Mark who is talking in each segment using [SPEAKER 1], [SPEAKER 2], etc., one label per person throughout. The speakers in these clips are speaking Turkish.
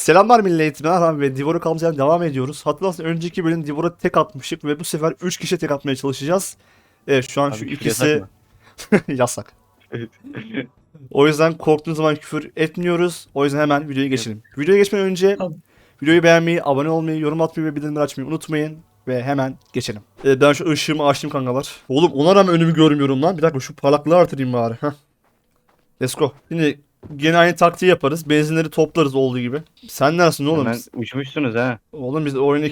[SPEAKER 1] Selamlar millet. Ben ve Divor'a kalmaya devam ediyoruz. Hatırlarsanız önceki bölüm Divor'a tek atmıştık ve bu sefer 3 kişiye tek atmaya çalışacağız. Evet şu an şu
[SPEAKER 2] Abi küfür yasak
[SPEAKER 1] ikisi
[SPEAKER 2] mı?
[SPEAKER 1] yasak.
[SPEAKER 2] Evet.
[SPEAKER 1] O yüzden korktuğunuz zaman küfür etmiyoruz. O yüzden hemen videoya geçelim. Videoya geçmeden önce videoyu beğenmeyi, abone olmayı, yorum atmayı ve bildirimleri açmayı unutmayın. Ve hemen geçelim. Ben şu ışığımı açtım kankalar. Oğlum ona rağmen önümü görmüyorum lan. Bir dakika şu parlaklığı artırayım bari. Heh. Let's go. Şimdi gene aynı taktiği yaparız. Benzinleri toplarız olduğu gibi. Sen neresin oğlum?
[SPEAKER 2] Hemen uçmuşsunuz ha.
[SPEAKER 1] Oğlum biz oyunu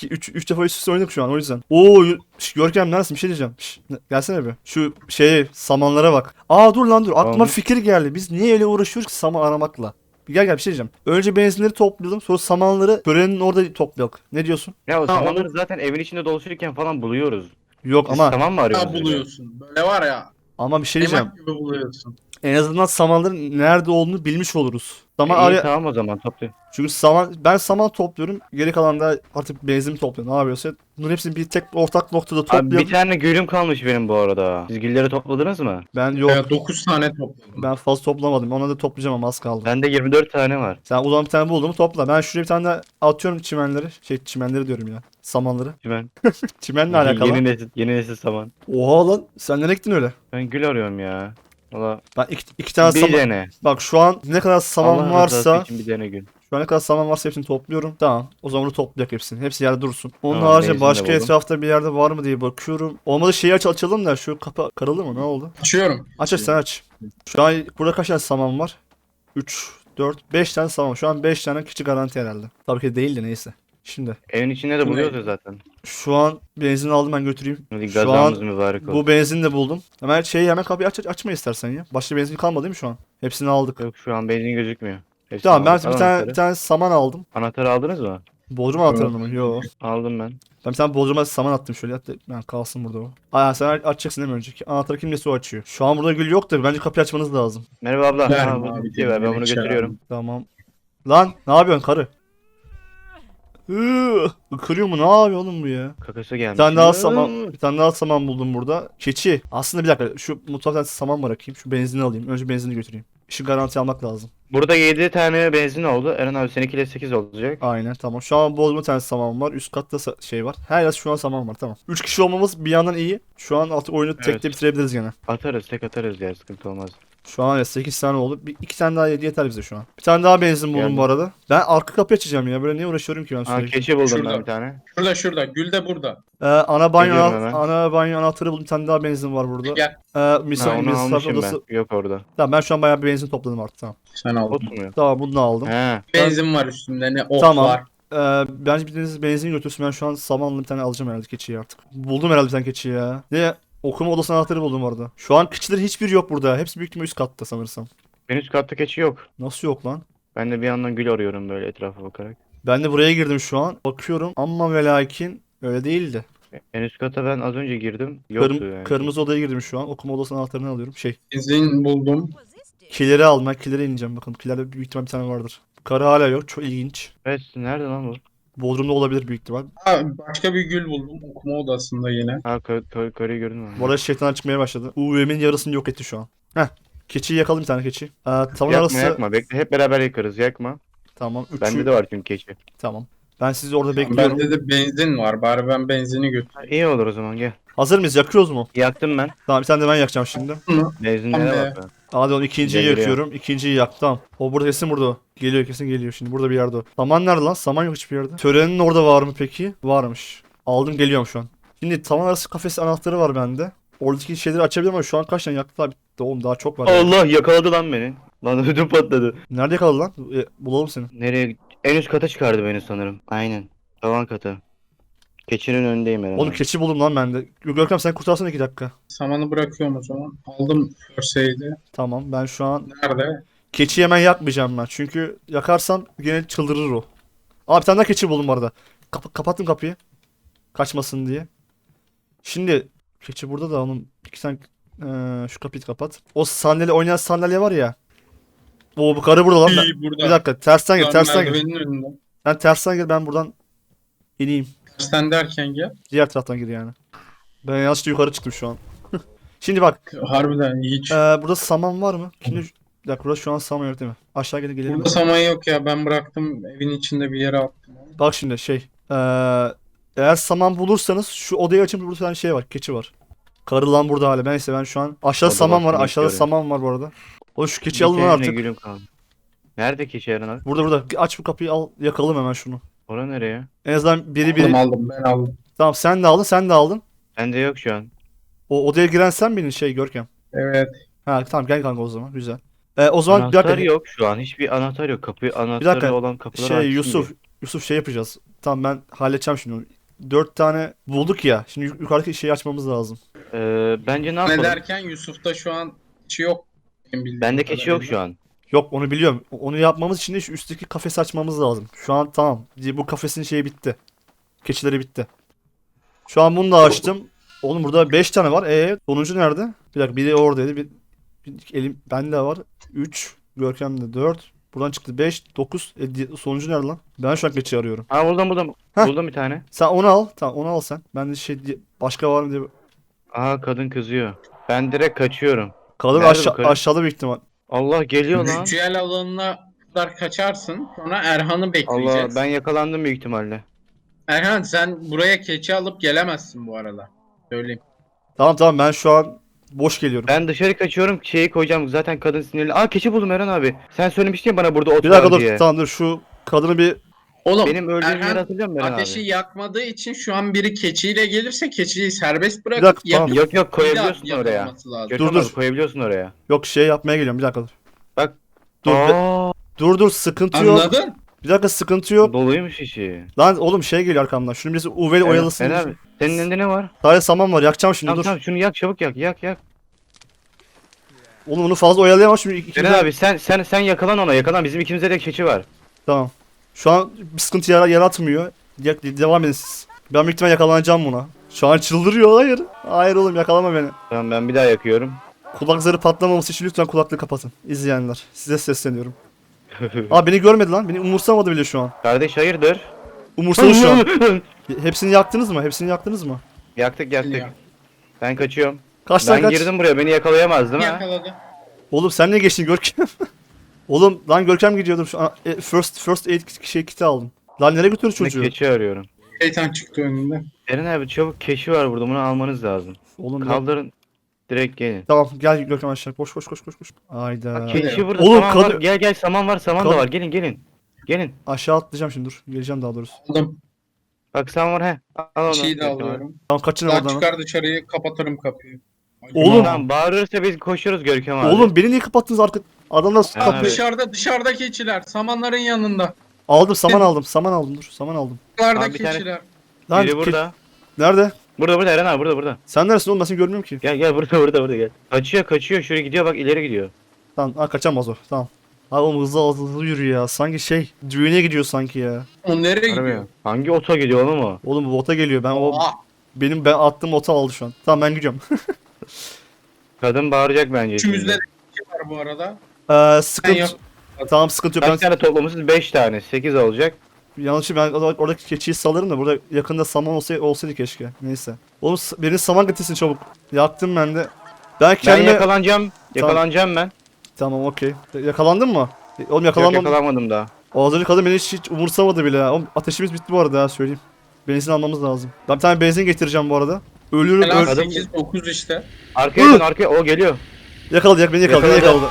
[SPEAKER 1] 3 defa üst üste oynadık şu an o yüzden. Oo Görkem neresin bir şey diyeceğim. Gelsene bir. Şu samanlara bak. Aa dur lan dur aklıma
[SPEAKER 2] Tamam.
[SPEAKER 1] fikir geldi. Biz niye öyle uğraşıyoruz ki saman aramakla? Gel bir şey diyeceğim. Önce benzinleri toplayalım sonra samanları törenin orada toplayalım. Ne diyorsun?
[SPEAKER 2] Ya o
[SPEAKER 3] Ha,
[SPEAKER 2] samanları zaten evin içinde dolaşırken falan buluyoruz.
[SPEAKER 1] Yok
[SPEAKER 2] Siz
[SPEAKER 1] ama
[SPEAKER 2] saman mı
[SPEAKER 3] Ya
[SPEAKER 2] arıyorsunuz?
[SPEAKER 3] buluyorsun. Böyle var ya.
[SPEAKER 1] bir şey diyeceğim.
[SPEAKER 3] Emak gibi buluyorsun.
[SPEAKER 1] En azından samanların nerede olduğunu bilmiş oluruz. Saman
[SPEAKER 2] İyi
[SPEAKER 1] araya...
[SPEAKER 2] tamam o zaman toplayın.
[SPEAKER 1] Çünkü ben saman topluyorum. Geri kalan da artık benzin topluyor. Ne yapıyorsa bunların hepsini bir tek ortak noktada
[SPEAKER 2] Abi
[SPEAKER 1] toplayalım.
[SPEAKER 2] bir tane gülüm kalmış benim bu arada. Siz gülleri topladınız mı?
[SPEAKER 1] Ben yok.
[SPEAKER 3] Ya 9 tane topladım.
[SPEAKER 1] Ben fazla toplamadım. Ona da toplayacağım ama az kaldı.
[SPEAKER 2] Bende 24 tane var.
[SPEAKER 1] Sen o zaman bir tane buldun mu topla. Ben şuraya bir tane de atıyorum çimenleri. Çimenleri diyorum ya. Samanları.
[SPEAKER 2] Ben
[SPEAKER 1] Çimenle alakalı.
[SPEAKER 2] yeni nesil saman.
[SPEAKER 1] Oha lan. Sen nereye gittin öyle?
[SPEAKER 2] Ben gül arıyorum ya. Valla
[SPEAKER 1] Ben iki tane
[SPEAKER 2] bir
[SPEAKER 1] saman...
[SPEAKER 2] dene.
[SPEAKER 1] Bak şu an ne kadar saman
[SPEAKER 2] Allah rızası
[SPEAKER 1] varsa...
[SPEAKER 2] için bir dene gül.
[SPEAKER 1] Şu an ne kadar saman varsa hepsini topluyorum. Tamam. O zaman onu toplayacak hepsini. Hepsi yerde dursun. Onun
[SPEAKER 2] Tamam,
[SPEAKER 1] haricinde
[SPEAKER 2] benzin de
[SPEAKER 1] başka
[SPEAKER 2] buldum.
[SPEAKER 1] etrafta bir yerde var mı diye bakıyorum. Olmadı şeyi açalım da şu kapı kırıldı mı? Ne oldu?
[SPEAKER 3] Açıyorum.
[SPEAKER 1] Aç sen aç. Şu an burada kaç tane saman var? 3, 4, 5 tane saman. Şu an 5 tane küçük garanti herhalde. Tabii ki değil de neyse. Şimdi
[SPEAKER 2] Evin içinde de buluyoruz ya zaten.
[SPEAKER 1] şu an benzin aldım ben götüreyim.
[SPEAKER 2] Hadi
[SPEAKER 1] Şu an
[SPEAKER 2] gazamız mübarek olsun.
[SPEAKER 1] bu benzin de buldum. Hemen kapıyı açma istersen ya. Başka benzin kalmadı değil mi şu an? Hepsini aldık.
[SPEAKER 2] Yok şu an benzin gözükmüyor. Hepsini
[SPEAKER 1] Tamam ben
[SPEAKER 2] aldık. Al
[SPEAKER 1] bir
[SPEAKER 2] anahtarı.
[SPEAKER 1] tane saman aldım.
[SPEAKER 2] Anahtarı aldınız mı?
[SPEAKER 1] Bodrum anahtarını mı? Yo.
[SPEAKER 2] Aldım ben.
[SPEAKER 1] Ben bir tane Bodrum'a saman attım şöyle. Hatta ben kalsın burada o. Aa sen açacaksın değil mi önceki? Anahtarı kim nesi o açıyor. Şu an burada gül yok da bence kapıyı açmanız lazım.
[SPEAKER 2] Merhaba abla.
[SPEAKER 3] Verme
[SPEAKER 2] Ha, bu
[SPEAKER 3] abi,
[SPEAKER 2] şey ver, ben bunu
[SPEAKER 3] içeri
[SPEAKER 2] götürüyorum.
[SPEAKER 1] Tamam. Lan ne yapıyorsun karı? Kırıyor mu? Ne yapıyor oğlum bu ya?
[SPEAKER 2] Kakası gelmiş.
[SPEAKER 1] Bir tane daha saman buldum burada. Keçi. Aslında bir dakika şu mutfaktan saman bırakayım. Şu benzini alayım. Önce benzini götüreyim. İşi garanti almak lazım.
[SPEAKER 2] Burada 7 tane benzin oldu. Eren abi seninkiyle 8 olacak.
[SPEAKER 1] Aynen tamam. Şu an Bodrum'da bir tane saman var. Üst katta şey var. Her yer şu an saman var tamam. 3 kişi olmamız bir yandan iyi. Şu an artık oyunu
[SPEAKER 2] Evet.
[SPEAKER 1] tekte bitirebiliriz gene.
[SPEAKER 2] Atarız tek atarız ya sıkıntı olmaz.
[SPEAKER 1] Şu an 8 tane oldu. 2 tane daha yeter bize şu an. Bir tane daha benzin buldum
[SPEAKER 2] Geldim.
[SPEAKER 1] bu arada. Ben arka kapıyı açacağım ya. Böyle niye uğraşıyorum ki ben
[SPEAKER 2] Ha
[SPEAKER 1] sürekli.
[SPEAKER 2] keçi buldum
[SPEAKER 3] Şurada.
[SPEAKER 2] ben bir tane.
[SPEAKER 3] Şurada. Gül de burada.
[SPEAKER 2] Geliyorum hemen.
[SPEAKER 1] Ana banyo anahtarı buldum. Bir tane daha benzin var burada.
[SPEAKER 3] Gel.
[SPEAKER 2] Ha,
[SPEAKER 1] Misafir
[SPEAKER 2] onu almışım
[SPEAKER 1] odası.
[SPEAKER 2] ben. Yok orada.
[SPEAKER 1] Tamam ben şu an bayağı bir benzin topladım artık tamam.
[SPEAKER 3] Sen aldın.
[SPEAKER 2] Oturmuyor.
[SPEAKER 1] Tamam bunu da aldım.
[SPEAKER 2] He.
[SPEAKER 3] Benzin var üstünde. Ne ot
[SPEAKER 1] Tamam.
[SPEAKER 3] var.
[SPEAKER 1] Bence biriniz benzin götürsün. Ben şu an samanlı bir tane alacağım herhalde keçiyi artık. Buldum herhalde bir tane keçiyi ya. Ne? Okuma odası anahtarı buldum orada. Şu an keçilerin hiçbiri yok burada. Hepsi büyük ihtimalle üst katta sanırsam.
[SPEAKER 2] En üst katta keçi yok.
[SPEAKER 1] Nasıl yok lan?
[SPEAKER 2] Ben de bir yandan gül arıyorum böyle etrafa bakarak.
[SPEAKER 1] Ben de buraya girdim şu an. Bakıyorum ama ve lakin öyle değildi.
[SPEAKER 2] En üst kata ben az önce girdim. Yoktu yani.
[SPEAKER 1] Kırmızı odaya girdim şu an. Okuma odasının anahtarını alıyorum.
[SPEAKER 3] Benzin buldum.
[SPEAKER 1] Killeri aldım. Ben killere ineceğim. Bakın killerde büyük ihtimal bir tane vardır. Karı hala yok. Çok ilginç.
[SPEAKER 2] Evet nerede lan bu?
[SPEAKER 1] Bodrum'da olabilir büyük ihtimal.
[SPEAKER 3] Ha, başka bir gül buldum. Okuma odasında yine.
[SPEAKER 2] Ha karıyı gördün mü?
[SPEAKER 1] Bu arada şeytan çıkmaya başladı. UV'min yarısını yok etti şu an. Heh. Keçiyi yakalım bir tane keçi. Tavan
[SPEAKER 2] Yakma
[SPEAKER 1] arası.
[SPEAKER 2] yakma bekle hep beraber yakarız yakma.
[SPEAKER 1] Tamam.
[SPEAKER 2] Bende de var çünkü keçi.
[SPEAKER 1] Tamam. Ben sizi orada bekliyorum.
[SPEAKER 3] Bende de benzin var. Bari ben benzini götüreyim.
[SPEAKER 2] Ha, iyi olur o zaman gel.
[SPEAKER 1] Hazır mıyız? Yakıyoruz mu?
[SPEAKER 2] Yaktım ben.
[SPEAKER 1] Tamam bir tane de ben yakacağım şimdi.
[SPEAKER 2] Benzinlere
[SPEAKER 3] Tamam be.
[SPEAKER 2] bak.
[SPEAKER 1] Hadi onu ikinciyi
[SPEAKER 2] Geliyor.
[SPEAKER 1] yakıyorum. İkinciyi yak. Tamam. O burada kesin burada o. Geliyor kesin geliyor şimdi. Burada bir yerde o. Saman nerede lan? Saman yok hiçbir yerde. Törenin orada var mı peki? Varmış. Aldım geliyorum şu an. Şimdi tavan arası kafesi anahtarı var bende. Oradaki şeyleri açabilirim ama şu an kaç tane yaktı abi? Oğlum daha çok var. ya.
[SPEAKER 2] Allah yakaladı lan beni. Lan ödüm patladı.
[SPEAKER 1] Nerede yakaladı lan? Bulalım seni.
[SPEAKER 2] Nereye? En üst kata çıkardı beni sanırım. Aynen. Tavan katı. Keçinin önündeyim herhalde.
[SPEAKER 1] Oğlum keçi buldum lan bende. Görkem sen kurtarsana 2 dakika.
[SPEAKER 3] Samanı bırakıyorum o zaman. Aldım First
[SPEAKER 1] Tamam ben şu an
[SPEAKER 3] Nerede?
[SPEAKER 1] keçiyi hemen yakmayacağım ben. Çünkü yakarsam gene çıldırır o. Aa bir tane daha keçi buldum bu arada. Kapattım kapıyı. Kaçmasın diye. Şimdi keçi burada da onun iki tane şu kapıyı kapat. O sandalye oynayan sandalye var ya. O bu karı burada lan.
[SPEAKER 3] İyi, burada.
[SPEAKER 1] Bir dakika tersten gir
[SPEAKER 3] Lan
[SPEAKER 1] tersten gir.
[SPEAKER 3] merdivenin önünde.
[SPEAKER 1] Sen tersten gir ben buradan ineyim.
[SPEAKER 3] Sen derken gel.
[SPEAKER 1] Diğer taraftan gir yani. Ben yanlışlıkla yukarı çıktım şu an. Şimdi bak
[SPEAKER 3] Harbiden hiç.
[SPEAKER 1] burada saman var mı? Şimdi Bir dakika burada şu an saman yok değil mi? Aşağı gelin gelelim.
[SPEAKER 3] Burada saman yok ya, ben bıraktım evin içinde bir yere attım.
[SPEAKER 1] Bak şimdi eğer saman bulursanız şu odayı açın, burada bir tane şey var, keçi var. Karı lan burada hala. Neyse ben şu an aşağıda
[SPEAKER 2] Oda
[SPEAKER 1] saman var,
[SPEAKER 2] başını
[SPEAKER 1] aşağıda
[SPEAKER 2] bekliyorum.
[SPEAKER 1] saman var bu arada. O şu
[SPEAKER 2] Bir
[SPEAKER 1] keçiyi alın lan
[SPEAKER 2] kendine
[SPEAKER 1] artık.
[SPEAKER 2] gülüm kaldı. Nerede keçi Eren abi?
[SPEAKER 1] Burada. Aç bu kapıyı, al yakalım hemen şunu.
[SPEAKER 2] Ora nereye?
[SPEAKER 1] En azından biri.
[SPEAKER 3] Aldım, ben aldım.
[SPEAKER 1] Tamam sen de aldın, sen de aldın.
[SPEAKER 2] Bende yok şu an.
[SPEAKER 1] O odaya giren sen benim şey Görkem.
[SPEAKER 3] Evet.
[SPEAKER 1] Ha tamam gel kanka o zaman, güzel. O zaman bir
[SPEAKER 2] Anahtar
[SPEAKER 1] dakika.
[SPEAKER 2] yok şu an. Hiçbir anahtar yok. Kapı anahtarı
[SPEAKER 1] dakika,
[SPEAKER 2] olan kapılar
[SPEAKER 1] Şey
[SPEAKER 2] açsın
[SPEAKER 1] Yusuf şey yapacağız. Tamam ben halledeceğim şimdi. 4 tane bulduk ya. Şimdi yukarıdaki şeyi açmamız lazım.
[SPEAKER 2] Bence ne
[SPEAKER 3] Ne
[SPEAKER 2] yapalım?
[SPEAKER 3] derken Yusuf'ta şu an keçi yok. Benim bildiğim
[SPEAKER 2] Bende keçi yok
[SPEAKER 3] kadarıyla.
[SPEAKER 2] şu an.
[SPEAKER 1] Yok onu biliyorum. Onu yapmamız için de şu üstteki kafesi açmamız lazım. Şu an tamam. Bu kafesin şeyi bitti. Keçileri bitti. Şu an bunu da açtım. Oğlum burada 5 tane var. Sonuncu nerede? Bir dakika biri oradaydı. Bir elim bende var. 3. Görkem'de 4. Buradan çıktı 5, 9. Sonuncu nerede lan? Ben şu an keçi arıyorum.
[SPEAKER 2] Ha buldum.
[SPEAKER 1] Heh.
[SPEAKER 2] Buldum bir tane.
[SPEAKER 1] Sen onu al. Tamam onu al sen. Ben de başka var mı diye.
[SPEAKER 2] Aha kadın kızıyor. Ben direkt kaçıyorum.
[SPEAKER 1] Kalır
[SPEAKER 2] Nerede bu karı?
[SPEAKER 1] aşağıda büyük ihtimal.
[SPEAKER 2] Allah geliyor lan.
[SPEAKER 3] Ritüel alanına kadar kaçarsın. Sonra Erhan'ı
[SPEAKER 2] Allah
[SPEAKER 3] bekleyeceğiz.
[SPEAKER 2] ben yakalandım büyük ihtimalle.
[SPEAKER 3] Erhan sen buraya keçi alıp gelemezsin bu arada. Söyleyeyim.
[SPEAKER 1] Tamam ben şu an boş geliyorum.
[SPEAKER 2] Ben dışarı kaçıyorum şeyi koyacağım zaten kadın sinirli. Aa keçi buldum Eren abi. Sen söylemiştin ya bana burada ot
[SPEAKER 1] Bir dakika
[SPEAKER 2] var
[SPEAKER 1] dur.
[SPEAKER 2] diye.
[SPEAKER 1] Tamam dur şu kadını bir
[SPEAKER 3] Oğlum
[SPEAKER 2] Benim öldüğüm yeri
[SPEAKER 3] Erhan
[SPEAKER 2] hatırlıyor musun Eren
[SPEAKER 3] ateşi
[SPEAKER 2] abi?
[SPEAKER 3] yakmadığı için şu an biri keçiyle gelirse keçiyi serbest
[SPEAKER 1] Bir
[SPEAKER 3] bırakıp
[SPEAKER 1] dakika, tamam.
[SPEAKER 3] yakıp
[SPEAKER 2] Yok
[SPEAKER 3] bir daha
[SPEAKER 2] koyabiliyorsun oraya.
[SPEAKER 3] yakalaması lazım.
[SPEAKER 2] Görkem
[SPEAKER 1] Dur.
[SPEAKER 2] abi, koyabiliyorsun oraya.
[SPEAKER 1] yok şey yapmaya geliyorum. Bir dakika dur.
[SPEAKER 2] Bak.
[SPEAKER 1] Dur.
[SPEAKER 2] Aa,
[SPEAKER 1] Dur sıkıntı yok.
[SPEAKER 3] Anladın?
[SPEAKER 1] Bir dakika sıkıntı yok.
[SPEAKER 2] doluymuş işi.
[SPEAKER 1] Lan oğlum şey geliyor arkamdan. Şunu birisi UV'li oyalasın.
[SPEAKER 2] Eren abi senin elinde ne var?
[SPEAKER 1] Sadece saman var. Yakacağım şimdi
[SPEAKER 2] Tamam
[SPEAKER 1] dur.
[SPEAKER 2] tamam şunu yak çabuk yak.
[SPEAKER 1] Oğlum onu fazla oyalayamam şimdi.
[SPEAKER 2] Eren abi sen yakalan ona yakalan bizim ikimizde de keçi var.
[SPEAKER 1] Tamam. Şu an bir sıkıntı yaratmıyor. Devam edin siz. Ben büyük ihtimal yakalanacağım buna. Şu an çıldırıyor. Hayır. Hayır oğlum yakalama beni.
[SPEAKER 2] Tamam ben bir daha yakıyorum.
[SPEAKER 1] Kulak zarı patlamaması için lütfen kulaklığı kapatın. İzleyenler. Size sesleniyorum. Aa beni görmedi lan. Beni umursamadı bile şu an.
[SPEAKER 2] Kardeş hayırdır?
[SPEAKER 1] Umursadı şu an. Hepsini yaktınız mı? Hepsini yaktınız mı?
[SPEAKER 2] Yaktık.
[SPEAKER 3] Ya.
[SPEAKER 2] Ben kaçıyorum.
[SPEAKER 1] Kaçtan
[SPEAKER 2] Ben
[SPEAKER 1] kaç.
[SPEAKER 2] girdim buraya beni yakalayamaz değil mi?
[SPEAKER 3] Yakaladı.
[SPEAKER 1] Oğlum sen ne geçtin Görkem? Oğlum lan Görkem gidiyordum şu an. First aid kiti aldım. Lan nereye götürüyorsun
[SPEAKER 2] Ben
[SPEAKER 1] çocuğu?
[SPEAKER 2] keçi arıyorum.
[SPEAKER 3] Şeytan çıktı önünde.
[SPEAKER 2] Eren abi çabuk keçi var burada bunu almanız lazım.
[SPEAKER 1] Oğlum
[SPEAKER 2] Kaldırın. Direkt gelin.
[SPEAKER 1] tamam gel Görkem aşağı. Koş. Hayda.
[SPEAKER 2] Bak keçi burada
[SPEAKER 1] Oğlum,
[SPEAKER 2] saman var.
[SPEAKER 1] kadın-
[SPEAKER 2] Gel saman var da
[SPEAKER 1] Kadın-
[SPEAKER 2] var. Gelin.
[SPEAKER 1] Aşağı atlayacağım şimdi dur. Geleceğim daha doğrusu.
[SPEAKER 3] Aldım.
[SPEAKER 2] Bak saman var he. Al onu.
[SPEAKER 3] Bir şey de
[SPEAKER 2] Görkem abi.
[SPEAKER 3] alıyorum.
[SPEAKER 1] Tamam kaçın
[SPEAKER 3] Daha
[SPEAKER 1] oradan.
[SPEAKER 3] çıkar dışarıyı, kapatırım kapıyı.
[SPEAKER 1] Oğlum.
[SPEAKER 2] Tamam bağırırsa biz koşuyoruz Görkem abi.
[SPEAKER 1] Oğlum beni niye kapattınız arka? Adamlar
[SPEAKER 2] Eren
[SPEAKER 3] Bak
[SPEAKER 2] abi.
[SPEAKER 3] dışarıda keçiler. Samanların yanında.
[SPEAKER 1] aldım saman aldım. Saman aldım dur. Saman aldım.
[SPEAKER 3] Dışarıda
[SPEAKER 2] Abi bir tane-
[SPEAKER 3] keçiler.
[SPEAKER 1] Lan
[SPEAKER 2] Biri burada.
[SPEAKER 1] nerede?
[SPEAKER 2] Burada Eren abi burada.
[SPEAKER 1] Sen neresin oğlum ben seni görmüyorum ki.
[SPEAKER 2] Gel burada gel. Kaçıyor şuraya gidiyor bak ileri gidiyor.
[SPEAKER 1] Tamam kaçamaz o. Tamam. Abi oğlum hızlı yürü ya. Sanki şey düğüne gidiyor sanki ya.
[SPEAKER 3] O nereye gidiyor?
[SPEAKER 2] Harbi. Hangi ota gidiyor oğlum o?
[SPEAKER 1] Oğlum bu ota geliyor.
[SPEAKER 3] Oha.
[SPEAKER 1] Ben attığım ota aldı şu an. Tamam ben gidiyorum.
[SPEAKER 2] Kadın bağıracak bence
[SPEAKER 3] Üçümüzde de
[SPEAKER 2] şimdi.
[SPEAKER 3] keçi var bu arada.
[SPEAKER 1] Eee sıkıntı.
[SPEAKER 3] Ben
[SPEAKER 1] Tamam sıkıntı yok.
[SPEAKER 2] Kaç tane toplamışsınız? 5 tane. 8 olacak.
[SPEAKER 1] Yanlış ben oradaki keçiyi salarım da burada yakında saman olsaydı keşke. Neyse. Oğlum beni saman getirsin çabuk. Yaktım ben de. Ben
[SPEAKER 2] Ben
[SPEAKER 1] kendime...
[SPEAKER 2] yakalanacağım ben.
[SPEAKER 1] Tamam okey. Yakalandın mı? Oğlum
[SPEAKER 2] Yok
[SPEAKER 1] yakalanmadım.
[SPEAKER 2] yakalanmadım daha.
[SPEAKER 1] O az önce kadın beni hiç umursamadı bile ya. Oğlum ateşimiz bitti bu arada ya söyleyeyim. Benzin almamız lazım. Ben bir tane benzin getireceğim bu arada. Ölürüm
[SPEAKER 3] Helal
[SPEAKER 2] Kadın-
[SPEAKER 3] 8-9 işte.
[SPEAKER 2] Arkaya dön arkaya. O geliyor.
[SPEAKER 1] beni yakaladı.
[SPEAKER 2] Yakaladı.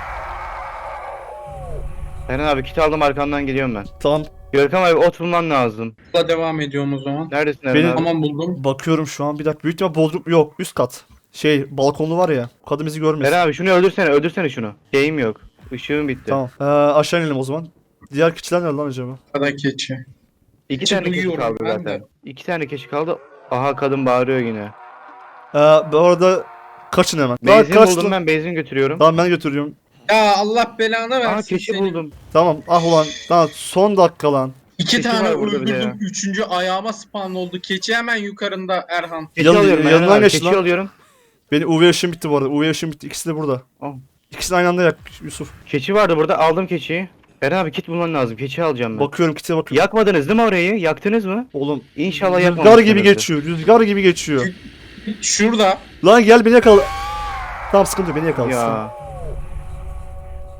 [SPEAKER 2] Eren abi kit aldım arkandan geliyorum ben.
[SPEAKER 1] Tamam
[SPEAKER 2] Görkem abi ot bulman lazım.
[SPEAKER 3] Buna devam ediyorum o zaman.
[SPEAKER 2] Neredesin Eren
[SPEAKER 1] Benim-
[SPEAKER 2] abi?
[SPEAKER 3] Tamam buldum.
[SPEAKER 1] bakıyorum şu an bir dakika. Büyük ihtimal bodrum yok üst kat. Şey balkonlu var ya. Kadın bizi görmesin.
[SPEAKER 2] Eren abi şunu öldürsene şunu. Şeyim yok. Işığım bitti.
[SPEAKER 1] Tamam. Aşağı inelim o zaman. Diğer keçiler nerede lan acaba?
[SPEAKER 3] Kada keçi.
[SPEAKER 2] 2
[SPEAKER 3] İçi
[SPEAKER 2] tane keçi
[SPEAKER 3] duyuyorum
[SPEAKER 2] kaldı
[SPEAKER 3] ben
[SPEAKER 2] zaten.
[SPEAKER 3] de.
[SPEAKER 2] 2 tane keçi kaldı. Aha kadın bağırıyor yine.
[SPEAKER 1] Bu arada kaçın hemen. Lan
[SPEAKER 2] Benzin
[SPEAKER 1] kaçtın.
[SPEAKER 2] buldum ben benzin götürüyorum.
[SPEAKER 1] Tamam ben götürüyorum.
[SPEAKER 3] Ya Allah belanı versin.
[SPEAKER 2] Aa keçi
[SPEAKER 3] seni.
[SPEAKER 2] buldum.
[SPEAKER 1] Tamam ah ulan. Tamam son dakika lan.
[SPEAKER 3] İki
[SPEAKER 2] Keçi
[SPEAKER 3] tane
[SPEAKER 2] var burada bir de
[SPEAKER 3] öldürdüm.
[SPEAKER 2] ya.
[SPEAKER 3] Üçüncü ayağıma spawn oldu. Keçi hemen yukarında Erhan.
[SPEAKER 2] Keçi
[SPEAKER 1] Yan-
[SPEAKER 2] alıyorum
[SPEAKER 1] yanından
[SPEAKER 2] Eren abi.
[SPEAKER 1] geç
[SPEAKER 2] Keçi
[SPEAKER 1] lan.
[SPEAKER 2] alıyorum.
[SPEAKER 1] Benim UV ışığım bitti bu arada. UV ışığım bitti. İkisi de burada.
[SPEAKER 2] Al.
[SPEAKER 1] İkisini aynı anda yak Yusuf.
[SPEAKER 2] Keçi vardı burada aldım keçiyi. Eren abi kit bulman lazım. Keçi alacağım ben.
[SPEAKER 1] Bakıyorum kite bakıyorum.
[SPEAKER 2] Yakmadınız değil mi orayı? Yaktınız mı?
[SPEAKER 1] Oğlum
[SPEAKER 2] İnşallah
[SPEAKER 1] rüzgar
[SPEAKER 2] yakmamışsınızdır.
[SPEAKER 1] gibi geçiyor. Rüzgar gibi geçiyor.
[SPEAKER 3] Şurada.
[SPEAKER 1] Lan gel beni yakala. Tamam sıkıntı yok, beni yakala.
[SPEAKER 2] Ya.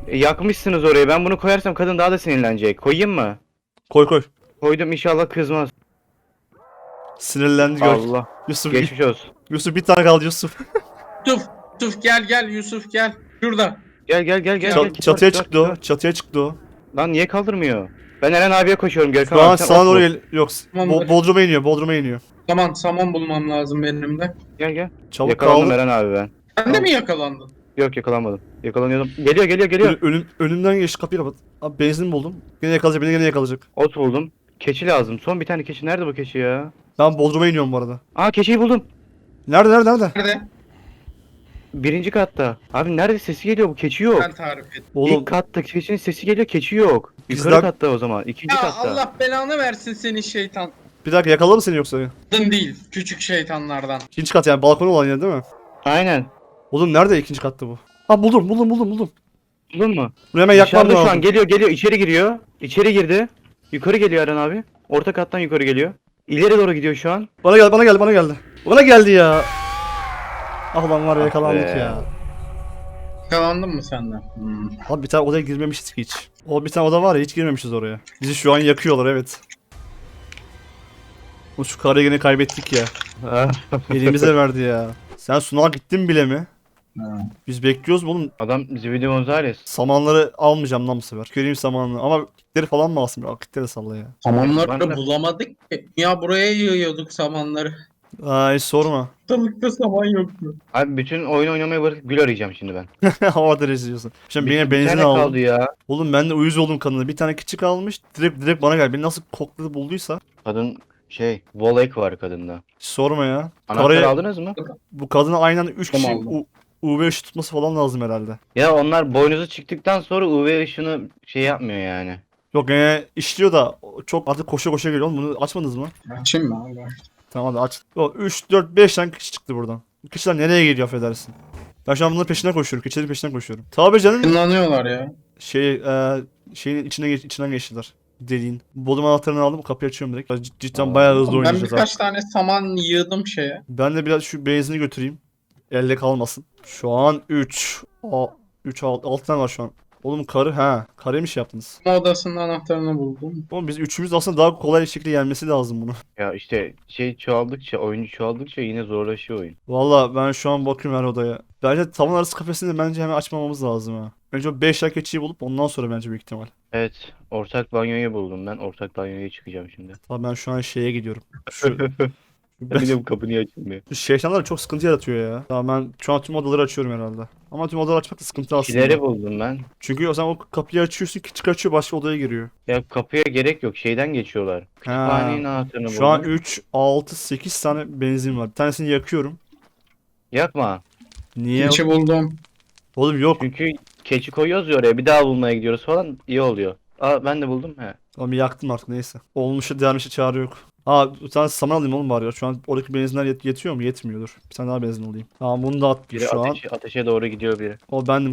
[SPEAKER 2] Yakmışsınız orayı. Ben bunu koyarsam kadın daha da sinirlenecek. Koyayım mı?
[SPEAKER 1] Koy koy.
[SPEAKER 2] Koydum, inşallah kızmaz.
[SPEAKER 1] Sinirlendi gör.
[SPEAKER 2] Allah.
[SPEAKER 1] Yusuf,
[SPEAKER 2] Geçmiş olsun.
[SPEAKER 1] Yusuf bir tane kaldı Yusuf.
[SPEAKER 3] Yusuf gel Yusuf gel. Şurada.
[SPEAKER 2] Gel.
[SPEAKER 1] Çatıya çıktı o. Çatıya çıktı o.
[SPEAKER 2] Lan niye kaldırmıyor? Ben Eren abiye koşuyorum. Görkem
[SPEAKER 1] Şu an
[SPEAKER 2] abi, sen
[SPEAKER 1] sana
[SPEAKER 2] ok
[SPEAKER 1] doğru
[SPEAKER 2] bul.
[SPEAKER 1] Yok.
[SPEAKER 3] Tamamdır.
[SPEAKER 1] Bodrum'a iniyor. Bodrum'a iniyor.
[SPEAKER 3] Tamam saman bulmam lazım benim de.
[SPEAKER 2] Gel.
[SPEAKER 1] Çabuk
[SPEAKER 2] Yakalandım
[SPEAKER 1] kaldı.
[SPEAKER 2] Eren abi ben.
[SPEAKER 3] Sen de mi yakalandın?
[SPEAKER 2] Yok, yakalanmadım. Yakalanıyordum. Geliyor.
[SPEAKER 1] Önümden geçti, kapıyı kapat. Abi benzin buldum. Gene yakalayacak, beni gene yakalayacak.
[SPEAKER 2] Ot buldum. Keçi lazım. Son bir tane keçi. Nerede bu keçi ya?
[SPEAKER 1] Ben Bodrum'a iniyorum bu arada.
[SPEAKER 2] Aa, keçiyi buldum.
[SPEAKER 1] Nerede?
[SPEAKER 3] Nerede?
[SPEAKER 2] Birinci katta. Abi nerede sesi geliyor, bu keçi yok.
[SPEAKER 3] Ben tarif et.
[SPEAKER 1] Oğlum
[SPEAKER 2] İlk katta keçinin sesi geliyor, keçi yok. Yukarı
[SPEAKER 1] Bizden-
[SPEAKER 2] katta o zaman. İkinci
[SPEAKER 3] Ya
[SPEAKER 2] katta.
[SPEAKER 3] Allah belanı versin seni şeytan.
[SPEAKER 1] bir dakika, yakaladı mı seni yoksa?
[SPEAKER 3] Kadın değil. Küçük şeytanlardan.
[SPEAKER 1] İkinci kat yani, balkonu olan yer değil mi?
[SPEAKER 2] Aynen.
[SPEAKER 1] Oğlum nerede ikinci katta bu? Ha buldum.
[SPEAKER 2] Buldun mu?
[SPEAKER 1] Bunu hemen yakmam
[SPEAKER 2] Dışarıda şu
[SPEAKER 1] lazım.
[SPEAKER 2] an geliyor, içeri giriyor. İçeri girdi. Yukarı geliyor Eren abi. Orta kattan yukarı geliyor. İleri doğru gidiyor şu an.
[SPEAKER 1] Bana geldi. Bana geldi ya. Ah ulan var ya,
[SPEAKER 2] Ah
[SPEAKER 1] yakalandık
[SPEAKER 2] be.
[SPEAKER 1] ya.
[SPEAKER 3] Yakalandın mı senden?
[SPEAKER 1] Abi bir tane odaya girmemişiz ki hiç. O bir tane oda var ya, hiç girmemişiz oraya. Bizi şu an yakıyorlar, evet. Şu karıyı yine kaybettik ya. Elimize verdi ya. Sen sunağa gittin bile mi? Biz bekliyoruz mu oğlum?
[SPEAKER 2] Adam Zibidi Gonzales.
[SPEAKER 1] Samanları almayacağım lan bu sefer. Göreyim samanını. Ama kitleri falan mı alsın? Ya, kitleri salla ya.
[SPEAKER 3] Samanları
[SPEAKER 2] Ben de-
[SPEAKER 3] bulamadık ki. Ya buraya yığıyorduk samanları.
[SPEAKER 1] Ay sorma.
[SPEAKER 3] Ortalıkta saman yoktu.
[SPEAKER 2] Abi bütün oyun oynamayı bırakıp gül arayacağım şimdi ben.
[SPEAKER 1] Havada rezil diyorsun. Şimdi
[SPEAKER 2] Bir
[SPEAKER 1] yine benzin
[SPEAKER 2] tane
[SPEAKER 1] aldım.
[SPEAKER 2] kaldı ya.
[SPEAKER 1] Oğlum ben de uyuz oldum kadına. Bir tane küçük almış. Direkt bana geldi. Beni nasıl kokladı bulduysa.
[SPEAKER 2] Kadın Volek var kadında.
[SPEAKER 1] Hiç sorma ya.
[SPEAKER 2] Anahtarı
[SPEAKER 1] Karaya,
[SPEAKER 2] aldınız mı?
[SPEAKER 1] bu kadına aynen 3 kişi
[SPEAKER 3] Aldım.
[SPEAKER 1] UV ışığı tutması falan lazım herhalde.
[SPEAKER 2] Ya onlar boynuzu çıktıktan sonra UV ışını yapmıyor yani.
[SPEAKER 1] Yok gene işliyor da çok artık koşa geliyor. Oğlum bunu açmadınız mı?
[SPEAKER 3] Açayım mı abi?
[SPEAKER 1] Tamam hadi aç. O 3, 4, 5 tane kişi çıktı buradan. Bu kişiler nereye geliyor affedersin. Ben şu an bunların peşinden koşuyorum. Keçilerin peşinden koşuyorum. Tabii canım.
[SPEAKER 3] Kullanıyorlar ya.
[SPEAKER 1] Şeyin içinden geçtiler. Deliğin. Bodrum anahtarını aldım. Kapıyı açıyorum direkt. Cidden bayağı hızlı
[SPEAKER 3] Ben
[SPEAKER 1] oynayacağız abi.
[SPEAKER 3] birkaç tane saman yığdım şeye.
[SPEAKER 1] Ben de biraz şu benzini götüreyim. Elle kalmasın. Şu an 6 tane var şu an. Oğlum karı mı şey yaptınız?
[SPEAKER 3] Odasının anahtarını buldum.
[SPEAKER 1] Oğlum biz üçümüz aslında daha kolay bir şekilde yenmesi lazım bunu.
[SPEAKER 2] Ya işte çoğaldıkça, oyuncu çoğaldıkça yine zorlaşıyor oyun.
[SPEAKER 1] Valla ben şu an bakıyorum her odaya. Bence tavan arası kafesini bence hemen açmamamız lazım ha. Önce o 5 keçiyi bulup ondan sonra bence büyük ihtimal.
[SPEAKER 2] Evet, ortak banyoyu buldum ben. Ortak banyoya çıkacağım şimdi.
[SPEAKER 1] Tamam ben şu an şeye gidiyorum. Şu,
[SPEAKER 2] Bir de bu kapı niye açılmıyor?
[SPEAKER 1] şu şeytanlar çok sıkıntı yaratıyor ya. Tamam ben şu an tüm odaları açıyorum herhalde. Ama tüm odaları açmak da sıkıntı aslında.
[SPEAKER 2] Kileri buldum ben.
[SPEAKER 1] Çünkü o zaman o kapıyı açıyorsun, küçük açıyor, başka odaya giriyor.
[SPEAKER 2] Ya kapıya gerek yok, şeyden geçiyorlar. Kütüphanenin anahtarını
[SPEAKER 1] Şu an
[SPEAKER 2] buldum.
[SPEAKER 1] 3, 6, 8 tane benzin var. Bir tanesini yakıyorum.
[SPEAKER 2] Yakma.
[SPEAKER 1] Niye?
[SPEAKER 3] İçi buldum.
[SPEAKER 1] Oğlum yok.
[SPEAKER 2] Çünkü keçi koyuyoruz ya oraya, bir daha bulmaya gidiyoruz falan, iyi oluyor. Aa, ben de buldum. He.
[SPEAKER 1] Tamam yaktım artık neyse. Olmuşa dermişe çare yok. Bir tane saman alayım oğlum bari ya. Şu an oradaki benzinler yetiyor mu? Yetmiyordur. Bir tane daha benzin alayım. Tamam bunu da attım
[SPEAKER 2] Biri
[SPEAKER 1] şu an.
[SPEAKER 2] ateşe doğru gidiyor biri.
[SPEAKER 1] O bendim.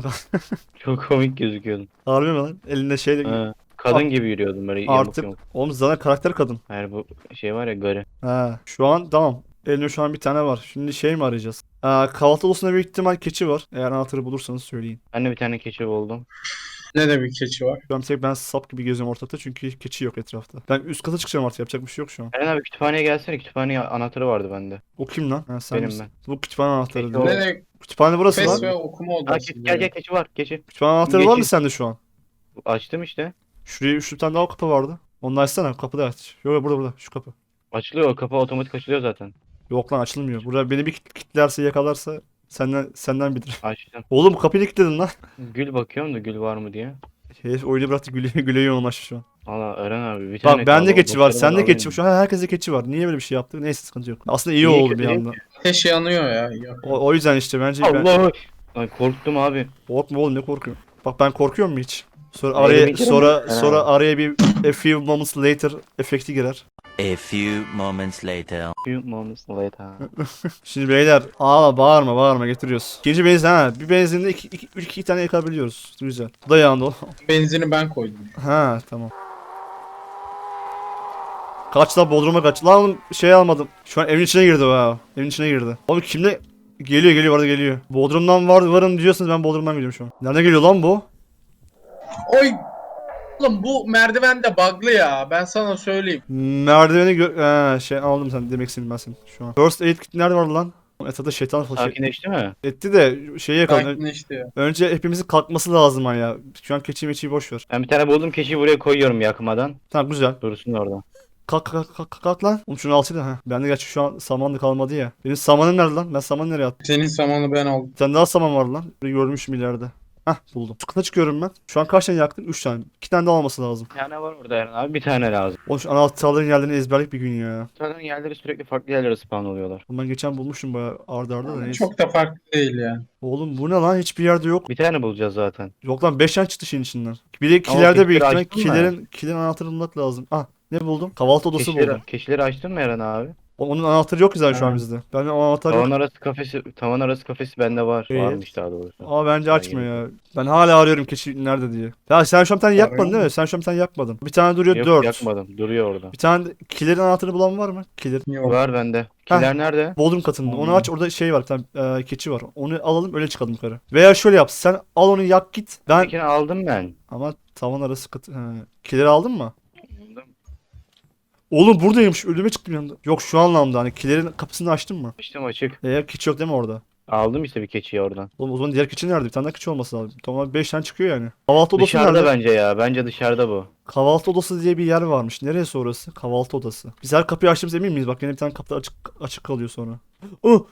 [SPEAKER 2] Çok komik gözüküyordun.
[SPEAKER 1] Harbi mi lan? Elinde şey
[SPEAKER 2] Ha, kadın gibi yürüyordun böyle
[SPEAKER 1] artık.
[SPEAKER 2] yamuk.
[SPEAKER 1] Oğlum zaten karakter kadın.
[SPEAKER 2] Hayır, bu var ya, garı.
[SPEAKER 1] Şu an tamam. Elimde şu an bir tane var. Şimdi şey mi arayacağız? Kahvaltı odasında büyük ihtimal keçi var. Eğer anahtarı bulursanız söyleyin.
[SPEAKER 2] Ben de bir tane keçi buldum.
[SPEAKER 3] Ne de bir keçi var.
[SPEAKER 1] Şu an ben sap gibi geziyorum ortalıkta çünkü keçi yok etrafta. Ben üst kata çıkacağım artık, yapacak bir şey yok şu an.
[SPEAKER 2] Eren abi kütüphaneye gelsene, kütüphane anahtarı vardı bende.
[SPEAKER 1] O kim lan? Sen
[SPEAKER 2] Benim
[SPEAKER 1] misin? Bu kütüphane anahtarı
[SPEAKER 2] Keçi
[SPEAKER 1] değil.
[SPEAKER 2] o.
[SPEAKER 3] Ne de
[SPEAKER 1] Kütüphane burası
[SPEAKER 3] fes
[SPEAKER 1] lan.
[SPEAKER 3] ve okuma
[SPEAKER 2] Aa,
[SPEAKER 3] odası.
[SPEAKER 2] gel keçi var, keçi.
[SPEAKER 1] Kütüphane anahtarı var mı
[SPEAKER 2] Geçin.
[SPEAKER 1] sende şu an?
[SPEAKER 2] Açtım işte.
[SPEAKER 1] Şuraya bir tane daha kapı vardı. Onu açsana, kapı da aç. Yok burada şu kapı.
[SPEAKER 2] Açılıyor, o kapı otomatik açılıyor zaten.
[SPEAKER 1] Yok lan açılmıyor. Burada beni bir kilitlerse yakalarsa senden bilir.
[SPEAKER 2] Açtım.
[SPEAKER 1] Oğlum kapıyı kilitledin lan.
[SPEAKER 2] Gül bakıyorum da gül var mı diye.
[SPEAKER 1] Herif oyunu bıraktı güle yoğunlaştı şu an.
[SPEAKER 2] Valla Eren abi bir tane
[SPEAKER 1] Bak bende
[SPEAKER 2] kaldı,
[SPEAKER 1] keçi var,
[SPEAKER 2] doktoruma
[SPEAKER 1] sende
[SPEAKER 2] da
[SPEAKER 1] keçi var.
[SPEAKER 2] alayım.
[SPEAKER 1] Şu an herkeste keçi var. Niye böyle bir şey yaptık? Neyse sıkıntı yok. Aslında iyi
[SPEAKER 2] İyi
[SPEAKER 1] oldu
[SPEAKER 2] kötü
[SPEAKER 1] bir
[SPEAKER 2] değil
[SPEAKER 1] anda.
[SPEAKER 3] Ateş yanıyor ya. Yok.
[SPEAKER 1] O yüzden işte bence ben
[SPEAKER 2] Allah! Ay, korktum abi.
[SPEAKER 1] korkma oğlum, ne korkuyorsun? Bak ben korkuyor mu hiç? Sonra
[SPEAKER 2] Öyle
[SPEAKER 1] araya
[SPEAKER 2] bir kere
[SPEAKER 1] sonra
[SPEAKER 2] mi?
[SPEAKER 1] sonra araya bir a few moments later efekti girer.
[SPEAKER 4] A few moments later.
[SPEAKER 2] Few moments later.
[SPEAKER 1] Şimdi beyler bağırma getiriyoruz. İkinci benzin bir benzinde iki tane yakabiliyoruz. Güzel. Bu da yandı o.
[SPEAKER 3] Benzini ben koydum.
[SPEAKER 1] Tamam. Kaç lan Bodrum'a kaç. Lan oğlum şey almadım. Şu an evin içine girdi o. Evin içine girdi. Oğlum kimle? Geliyor arada geliyor. Bodrum'dan varım diyorsanız ben Bodrum'dan geliyorum şu an. Nereden geliyor lan bu?
[SPEAKER 3] Oy. Oğlum bu merdiven de bug'lı ya. Ben sana söyleyeyim.
[SPEAKER 1] Merdiveni şey aldım sen demek istedim ben senin şu an. First aid kit nerede vardı lan? Etrafta şeytan falan şey
[SPEAKER 2] Sakinleşti mi?
[SPEAKER 1] etti de şeyi yakaladı.
[SPEAKER 3] Sakinleşti ya.
[SPEAKER 1] Önce hepimizin kalkması lazım ha ya. Şu an keçi meçiyi boş ver.
[SPEAKER 2] Ben bir tane buldum, keçiyi buraya koyuyorum yakmadan.
[SPEAKER 1] Tamam güzel.
[SPEAKER 2] Dursun orada.
[SPEAKER 1] Kalk lan. Oğlum şunu alsaydı ha. Bende gerçi şu an saman da kalmadı ya. Benim samanım nerede lan? Ben samanı nereye attım?
[SPEAKER 3] Senin zamanı ben aldım.
[SPEAKER 1] Bir tane daha saman var lan. Bir görmüşüm ileride. Hah buldum. Çıkına çıkıyorum ben. Şu an kaç tane yaktım? 3 tane. 2 tane daha olması lazım.
[SPEAKER 2] Bir tane var orada Eren abi, bir tane lazım.
[SPEAKER 1] Oğlum şu anahtarların yerlerini ezberlik bir gün ya.
[SPEAKER 2] Zaten yerleri sürekli farklı yerlere spawn oluyorlar.
[SPEAKER 1] Oğlum ben geçen bulmuşum bayağı arda arda da neyse.
[SPEAKER 3] Çok da farklı değil yani.
[SPEAKER 1] Oğlum bu ne lan? Hiçbir yerde yok.
[SPEAKER 2] Bir tane bulacağız zaten.
[SPEAKER 1] Yok lan 5 tane çıktı şeyin içinden. Bir de
[SPEAKER 2] Ama
[SPEAKER 1] kilerde büyük
[SPEAKER 2] kilitleri
[SPEAKER 1] ihtimal
[SPEAKER 2] açtın mı?
[SPEAKER 1] kilerin anahtarını bulmak lazım. Ah ne buldum? Kahvaltı odası buldum.
[SPEAKER 2] Keçileri açtın mı Eren abi?
[SPEAKER 1] Onun anahtarı yok güzel şu an
[SPEAKER 3] Ha.
[SPEAKER 1] bizde. Ben o anahtarı yok.
[SPEAKER 2] Tavan arası kafesi bende var.
[SPEAKER 1] Evet.
[SPEAKER 2] Varmış daha doğrusu.
[SPEAKER 1] Aa bence
[SPEAKER 2] Daha
[SPEAKER 1] açma
[SPEAKER 2] yeni.
[SPEAKER 1] ya. Ben hala arıyorum keçi nerede diye. Ya sen şu an bir tane yakmadın değil mi? Sen şu an bir tane yakmadın. Bir tane duruyor
[SPEAKER 2] Yok
[SPEAKER 1] 4.
[SPEAKER 2] yakmadım. Duruyor orada.
[SPEAKER 1] Bir tane de kilerin anahtarını bulan var mı? Kiler.
[SPEAKER 3] Yok.
[SPEAKER 2] Var bende. Kiler nerede?
[SPEAKER 1] Bodrum katında. Onu aç orada şey var bir tane keçi var. Onu alalım öyle çıkalım yukarı. Veya şöyle yap. Sen al onu yak git. Ben
[SPEAKER 2] Tekini aldım ben.
[SPEAKER 1] ama tavan arası katı. Kileri aldın mı?
[SPEAKER 2] Aldım.
[SPEAKER 1] Oğlum buradaymış. Ölüme çıktım yanında. Yok şu anlamda hani kilerin kapısını açtın mı?
[SPEAKER 2] Açtım açık.
[SPEAKER 1] Keçi yok değil mi orada?
[SPEAKER 2] Aldım işte bir keçiyi oradan.
[SPEAKER 1] Oğlum o zaman diğer keçi nerede? Bir tane daha keçi olması lazım. Tamam 5 tane çıkıyor yani. Kahvaltı odası
[SPEAKER 2] Dışarıda
[SPEAKER 1] nerede?
[SPEAKER 2] bence ya. Bence dışarıda bu.
[SPEAKER 1] Kahvaltı odası diye bir yer varmış. Neresi orası? Kahvaltı odası. Biz her kapıyı açtığımız emin miyiz? Bak yine bir tane kapı açık kalıyor sonra. Oh!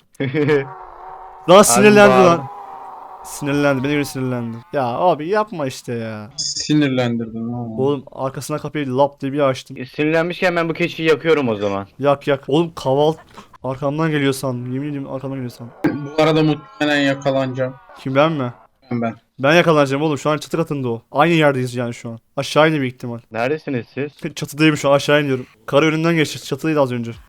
[SPEAKER 1] Lan sinirlendi
[SPEAKER 2] bağır.
[SPEAKER 1] lan. Sinirlendi. Beni göre sinirlendi. Ya abi yapma işte ya.
[SPEAKER 3] Sinirlendirdin ha.
[SPEAKER 1] Oğlum arkasına kapıyı lap diye bir açtım.
[SPEAKER 2] Sinirlenmişken ben bu keçiyi yakıyorum o zaman.
[SPEAKER 1] Yak yak. Oğlum kahvaltı arkamdan geliyor sandım. Yemin ediyorum arkamdan geliyor sandım.
[SPEAKER 3] Bu arada muhtemelen yakalanacağım.
[SPEAKER 1] Kim ben mi?
[SPEAKER 3] Ben.
[SPEAKER 1] Ben yakalanacağım oğlum. Şu an çatı katında o. Aynı yerdeyiz yani şu an. Aşağı iniyor büyük ihtimal.
[SPEAKER 2] Neredesiniz siz?
[SPEAKER 1] Çatıdayım şu an aşağı iniyorum. Kara önünden geçti. Çatıydı az önce.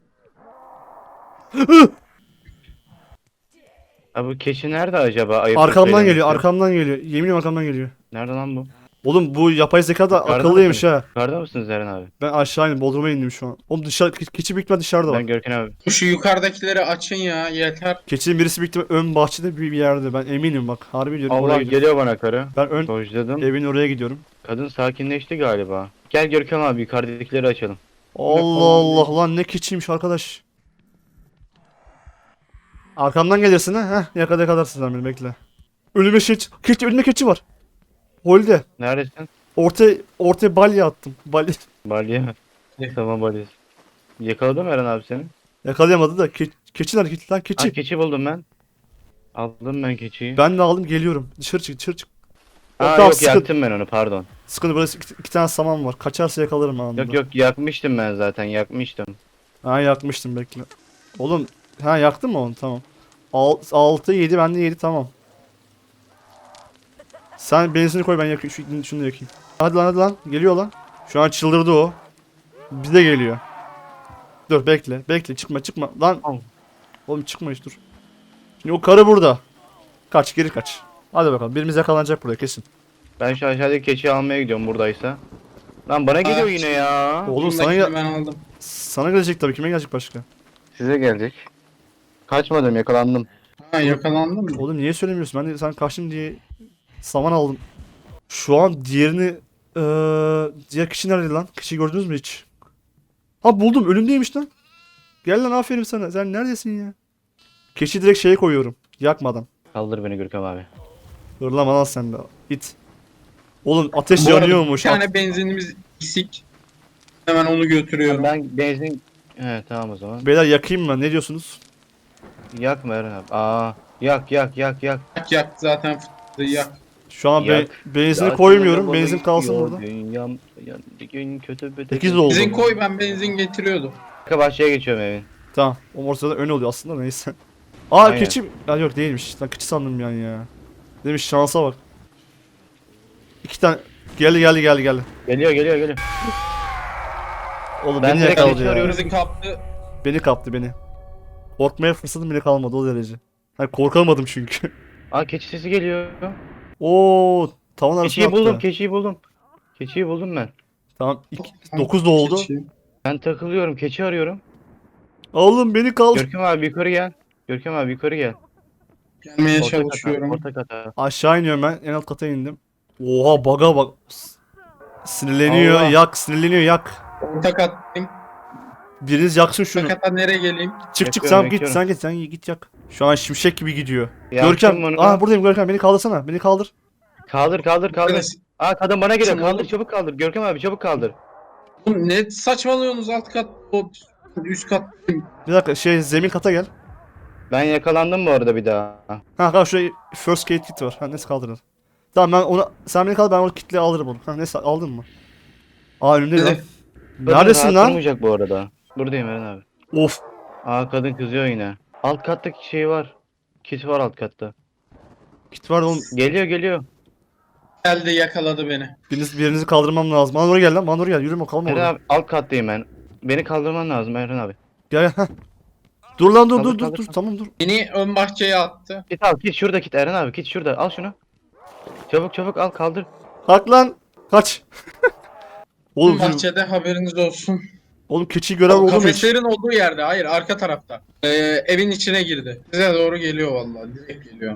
[SPEAKER 2] Ha bu keçi nerede acaba? Ayıp
[SPEAKER 1] Arkamdan
[SPEAKER 2] söylemesi.
[SPEAKER 1] geliyor. Arkamdan geliyor. Yemin ediyorum arkamdan geliyor.
[SPEAKER 2] Nerede lan bu?
[SPEAKER 1] Oğlum bu yapay zeka da
[SPEAKER 2] Yukarıda
[SPEAKER 1] akıllıymış
[SPEAKER 2] mısın?
[SPEAKER 1] ha.
[SPEAKER 2] Yukarıda mısınız Eren abi?
[SPEAKER 1] Ben aşağı indim. Bodrum'a indim şu an. Oğlum dışarı keçi büyük ihtimal dışarıda
[SPEAKER 2] Ben
[SPEAKER 1] bak.
[SPEAKER 2] Görkem abi.
[SPEAKER 3] Şu yukarıdakileri açın ya yeter.
[SPEAKER 1] Keçinin birisi büyük ihtimal ön bahçede bir yerde. Ben eminim bak. Harbi diyorum oraya
[SPEAKER 2] Allah
[SPEAKER 1] gidiyorum.
[SPEAKER 2] geliyor bana karı.
[SPEAKER 1] Ben ön
[SPEAKER 2] Dojladım.
[SPEAKER 1] evin oraya gidiyorum.
[SPEAKER 2] Kadın sakinleşti galiba. Gel Görkem abi yukarıdakileri açalım.
[SPEAKER 1] Allah Allah lan ne keçiymiş arkadaş. Arkamdan gelirsin ha. Heh yakalarsın sen beni bekle. Önüme keçi önüme keçi var. Holde.
[SPEAKER 2] Neredesin?
[SPEAKER 1] Ortaya balya attım. Balya.
[SPEAKER 2] Balya.
[SPEAKER 3] Ne?
[SPEAKER 2] Tamam balyası. Yakaladı mı Eren abi seni?
[SPEAKER 1] Yakalayamadı da keçi nerede keçi lan
[SPEAKER 2] Ha
[SPEAKER 1] keçi.
[SPEAKER 2] keçi buldum ben. Aldım ben keçiyi.
[SPEAKER 1] Ben de aldım geliyorum. Dışarı çık.
[SPEAKER 2] Ha
[SPEAKER 1] Tamam,
[SPEAKER 2] yok yaktım ben onu pardon.
[SPEAKER 1] Sıkıntı burası iki tane saman var. Kaçarsa yakalarım anında.
[SPEAKER 2] Yok yakmıştım ben zaten yakmıştım.
[SPEAKER 1] Ha yakmıştım bekle. Oğlum ha yaktın mı onu tamam. 6 7 bende 7 tamam. Sen benzini koy ben yakayım şunu da yakayım. Hadi lan geliyor lan. Şu an çıldırdı o. Bize geliyor. Dur bekle çıkma lan.
[SPEAKER 2] Al.
[SPEAKER 1] Oğlum çıkma hiç dur. Şimdi o karı burada. Geri kaç. Hadi bakalım birimiz yakalanacak burada kesin.
[SPEAKER 2] Ben şu aşağıdaki keçiyi almaya gidiyorum buradaysa. Lan bana geliyor
[SPEAKER 3] Ah,
[SPEAKER 2] yine ya.
[SPEAKER 1] Oğlum
[SPEAKER 3] Şundakini ben aldım.
[SPEAKER 1] sana gelecek tabii kime gelecek başka?
[SPEAKER 2] Size gelecek. Kaçmadım yakalandım.
[SPEAKER 3] Ha yakalandın mı?
[SPEAKER 1] Oğlum niye söylemiyorsun? Ben de sen kaçtın diye saman aldım. Şu an diğerini diğer kişi nerede lan? Kişiyi gördünüz mü hiç? Ha buldum önümdeymiş lan. Gel lan aferin sana. Sen neredesin ya? Keçi direkt şeye koyuyorum. Yakmadan.
[SPEAKER 2] Kaldır beni Görkem abi.
[SPEAKER 1] Hırlama lan sen de. İt. Oğlum ateş
[SPEAKER 3] Bu arada
[SPEAKER 1] yanıyormuş.
[SPEAKER 3] Bir tane benzinimiz eksik. Hemen onu götürüyorum.
[SPEAKER 2] Ben benzin... He tamam o zaman.
[SPEAKER 1] Beyler yakayım mı? Ne diyorsunuz?
[SPEAKER 2] Yakma Eren abi. Aa yak.
[SPEAKER 3] Yak zaten fıttığı yak.
[SPEAKER 1] Şu an
[SPEAKER 2] Yak.
[SPEAKER 1] benzini
[SPEAKER 2] Ya,
[SPEAKER 1] koymuyorum.
[SPEAKER 2] bana
[SPEAKER 1] Benzin kalsın
[SPEAKER 2] gidiyor,
[SPEAKER 1] burada.
[SPEAKER 2] Dünyam bir gün kötü bir
[SPEAKER 1] 8 oldu.
[SPEAKER 3] Benzin koy ben benzin getiriyordum.
[SPEAKER 2] Arka bahçeye geçiyorum evin.
[SPEAKER 1] Tamam. O ortada ön oluyor aslında neyse. Aa
[SPEAKER 2] Aynen.
[SPEAKER 1] keçi. Ya yok değilmiş. Lan keçi sandım yani ya. Demiş şansa bak. 2 tane. Geldi.
[SPEAKER 2] Geliyor.
[SPEAKER 1] Oğlum
[SPEAKER 2] Ben
[SPEAKER 1] beni
[SPEAKER 2] direkt
[SPEAKER 1] yakaladı
[SPEAKER 2] keçi
[SPEAKER 1] ya.
[SPEAKER 2] arıyorum.
[SPEAKER 3] Bizi kaptı.
[SPEAKER 1] Beni kaptı beni. Korkmaya fırsatım bile kalmadı o derece. Hani korkamadım çünkü.
[SPEAKER 2] Aa keçi sesi geliyor.
[SPEAKER 1] Oo, tavan arasına
[SPEAKER 2] Keçiyi
[SPEAKER 1] attı.
[SPEAKER 2] buldum, keçiyi buldum ben.
[SPEAKER 1] Tamam. 9 da oldu.
[SPEAKER 3] Keçi.
[SPEAKER 2] Ben takılıyorum, keçi arıyorum.
[SPEAKER 1] Oğlum beni kaldır.
[SPEAKER 2] Görkem abi yukarı gel.
[SPEAKER 3] Gelmeye
[SPEAKER 2] Orta
[SPEAKER 3] çalışıyorum.
[SPEAKER 2] kata.
[SPEAKER 1] Aşağı iniyorum ben. En alt kata indim. Oha baga bak. Sinirleniyor,
[SPEAKER 2] Allah.
[SPEAKER 1] yak, sinirleniyor, yak.
[SPEAKER 3] Orta kattayım.
[SPEAKER 1] Biriniz yaksın şunu.
[SPEAKER 3] Orta katta nereye geleyim?
[SPEAKER 1] Çık çık
[SPEAKER 2] Yakıyorum,
[SPEAKER 1] sen git,
[SPEAKER 2] yakıyorum.
[SPEAKER 1] sen git, sen git yak. Şu an şimşek gibi gidiyor.
[SPEAKER 2] Yaktım
[SPEAKER 1] Görkem,
[SPEAKER 2] onu.
[SPEAKER 1] buradayım Görkem, beni kaldırsana, beni kaldır.
[SPEAKER 2] Kaldır.
[SPEAKER 3] Arkadaş,
[SPEAKER 2] Kadın bana geliyor.
[SPEAKER 3] Tamam.
[SPEAKER 2] Kaldır, çabuk kaldır. Görkem abi çabuk kaldır.
[SPEAKER 3] oğlum ne saçmalıyorsunuz alt kat, o üst kattayım.
[SPEAKER 1] Bir dakika, zemin kata gel.
[SPEAKER 2] Ben yakalandım bu arada bir daha.
[SPEAKER 1] Ha şuraya first aid kit var. Ha neyse kaldırın. Tamam ben onu, sen beni kaldır, ben onu kitle alırım onu. Ha neyse aldın mı? Önümde lan.
[SPEAKER 3] Evet.
[SPEAKER 2] Kadın
[SPEAKER 1] Neredesin
[SPEAKER 2] rahat
[SPEAKER 1] lan?
[SPEAKER 2] durmayacak bu arada. Buradayım Eren abi.
[SPEAKER 1] Of.
[SPEAKER 2] Kadın kızıyor yine. Alt kattaki şey var. Kit var alt katta.
[SPEAKER 1] Kit var oğlum.
[SPEAKER 2] Geliyor.
[SPEAKER 3] Geldi yakaladı beni.
[SPEAKER 1] Birinizi kaldırmam lazım. Bana doğru gel lan, bana doğru gel. Yürüme, kalma
[SPEAKER 2] Eren
[SPEAKER 1] orada.
[SPEAKER 2] abi alt kattayım ben. Beni kaldırman lazım Eren abi.
[SPEAKER 1] Gel. Heh. Dur lan, dur
[SPEAKER 2] Kaldır,
[SPEAKER 1] dur dur
[SPEAKER 2] kaldır,
[SPEAKER 1] dur. Tamam dur.
[SPEAKER 3] Beni ön bahçeye attı.
[SPEAKER 2] Git al, git şurada git Eren abi, git şurada al şunu. Çabuk al kaldır.
[SPEAKER 1] Kalk lan. Kaç.
[SPEAKER 3] Ön
[SPEAKER 1] Oğlum,
[SPEAKER 3] bahçede haberiniz olsun.
[SPEAKER 1] oğlum keçi gören oldu mu hiç?
[SPEAKER 3] Kafeslerin olduğu yerde. Hayır, arka tarafta. Evin içine girdi. Size doğru geliyor vallahi. Direkt geliyor.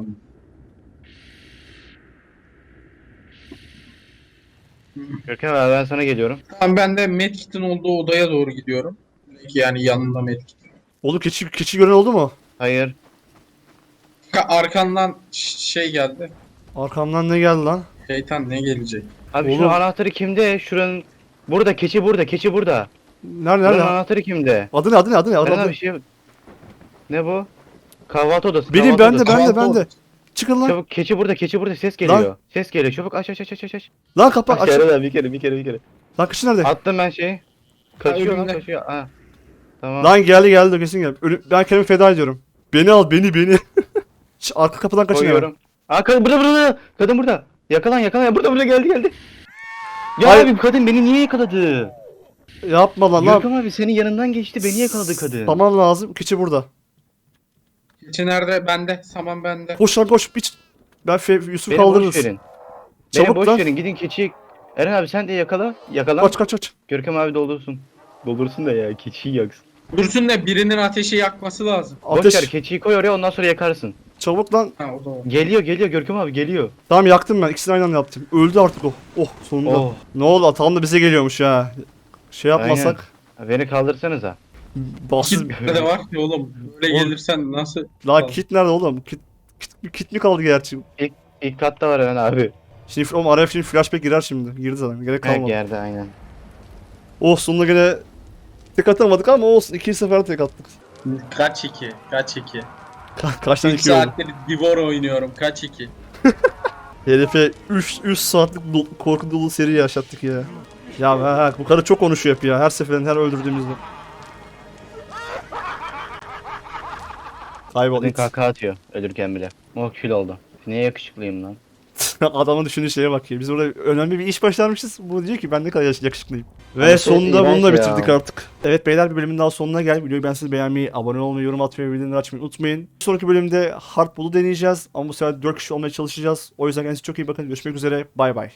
[SPEAKER 2] Görkem abi ben sana geliyorum.
[SPEAKER 3] Tamam, ben de Medkit'in olduğu odaya doğru gidiyorum. Yani yanında Medkit.
[SPEAKER 1] Oğlum keçi gören oldu mu?
[SPEAKER 2] Hayır.
[SPEAKER 3] Arkandan şey geldi.
[SPEAKER 1] Arkamdan ne geldi lan?
[SPEAKER 3] Şeytan ne gelecek?
[SPEAKER 2] Abi
[SPEAKER 1] Oğlum.
[SPEAKER 2] şu anahtarı kimde? Şuranın burada keçi burada.
[SPEAKER 1] Nerede
[SPEAKER 2] Buranın
[SPEAKER 1] nerede?
[SPEAKER 2] anahtarı kimde?
[SPEAKER 1] Adı ne?
[SPEAKER 2] Eren
[SPEAKER 1] Adı.
[SPEAKER 2] abi şey. Ne bu? Kahvaltı odası.
[SPEAKER 1] Benim,
[SPEAKER 2] kahvaltı
[SPEAKER 1] bende,
[SPEAKER 2] odası.
[SPEAKER 1] bende. Çıkın lan.
[SPEAKER 2] Çabuk keçi burada ses geliyor. Ses geliyor çabuk aç.
[SPEAKER 1] Lan kapat. Aç.
[SPEAKER 2] Eren abi bir kere.
[SPEAKER 1] Lan keçi nerede?
[SPEAKER 2] Attım ben şeyi. Kaçıyor lan
[SPEAKER 3] önümde.
[SPEAKER 2] kaçıyor. Ha. Tamam.
[SPEAKER 1] Lan geldi kesin geldi. Ben kendimi feda ediyorum. Beni al, beni. Arka kapıdan kaçın hemen.
[SPEAKER 2] Koyuyorum. Burada. Kadın burada. Yakalan. Burada geldi. Ya
[SPEAKER 1] Hayır.
[SPEAKER 2] abi bu kadın beni niye yakaladı?
[SPEAKER 1] Yapma lan.
[SPEAKER 2] Görkem abi senin yanından geçti beni yakaladı kadın.
[SPEAKER 1] Tamam lazım. Keçi burada.
[SPEAKER 3] İçi nerede? Bende. Saman bende.
[SPEAKER 1] Koş lan koş. Ben Yusuf
[SPEAKER 2] Beni boş
[SPEAKER 1] kaldırırız.
[SPEAKER 2] verin.
[SPEAKER 1] Çabuk
[SPEAKER 2] Beni boş
[SPEAKER 1] lan.
[SPEAKER 2] verin gidin keçiyi. Eren abi sen de yakala.
[SPEAKER 1] Kaç.
[SPEAKER 2] Görkem abi doldursun. Doldursun da ya keçiyi yaksın.
[SPEAKER 3] Dursun da birinin ateşi yakması lazım.
[SPEAKER 2] Boş ver
[SPEAKER 1] Ateş.
[SPEAKER 2] keçiyi koy oraya ondan sonra yakarsın.
[SPEAKER 1] Çabuk lan.
[SPEAKER 3] Ha, o da o.
[SPEAKER 2] Geliyor Görkem abi geliyor.
[SPEAKER 1] Tamam yaktım ben. İkisini aynı anda yaptım. Öldü artık o. Oh sonunda.
[SPEAKER 2] Oh.
[SPEAKER 1] Ne oldu? Atam da bize geliyormuş ha. Şey yapmasak.
[SPEAKER 2] Beni kaldırsanıza.
[SPEAKER 1] Bassız.
[SPEAKER 3] Nerede var ki oğlum? Böyle
[SPEAKER 1] Oğlum.
[SPEAKER 3] gelirsen nasıl?
[SPEAKER 1] La kit nerede oğlum? Kit mi kaldı gerçi?
[SPEAKER 2] İlk katta var Eren abi.
[SPEAKER 1] Şimdi oğlum araya şimdi flashback girer şimdi. Girdi zaten. Gerek
[SPEAKER 2] Ha
[SPEAKER 1] kalmadı.
[SPEAKER 2] geldi aynen.
[SPEAKER 1] Oh sonunda gene tek atamadık ama olsun. İkinci sefer tek attık.
[SPEAKER 3] Kaç iki?
[SPEAKER 1] Kaç tane
[SPEAKER 3] 3
[SPEAKER 1] iki oldu?
[SPEAKER 3] saattir Divor oynuyorum. Kaç iki?
[SPEAKER 1] Herife 3 saatlik korku dolu seri yaşattık ya. Ya bu karı çok konuşuyor hep ya. Her seferinde her öldürdüğümüzde. Kaybol
[SPEAKER 2] Kadın
[SPEAKER 1] it.
[SPEAKER 2] kahkaha atıyor ölürken bile. Oh kül oldu. Niye yakışıklıyım lan?
[SPEAKER 1] Adamın düşündüğü şeye bak ya. Biz burada önemli bir iş başarmışız. Bu diyor ki ben ne kadar yakışıklıyım. Ve
[SPEAKER 2] Ama
[SPEAKER 1] sonunda
[SPEAKER 2] çok
[SPEAKER 1] bunu da
[SPEAKER 2] iğrenç
[SPEAKER 1] bitirdik
[SPEAKER 2] ya.
[SPEAKER 1] artık. Evet beyler bir bölümün daha sonuna geldik. Videoyu beğenseniz beğenmeyi, abone olmayı, yorum atmayı ve bildirimleri açmayı unutmayın. Bir sonraki bölümde Hardball'u deneyeceğiz. Ama bu sefer 4 kişi olmaya çalışacağız. O yüzden kendinize çok iyi bakın. Görüşmek üzere. Bay bay.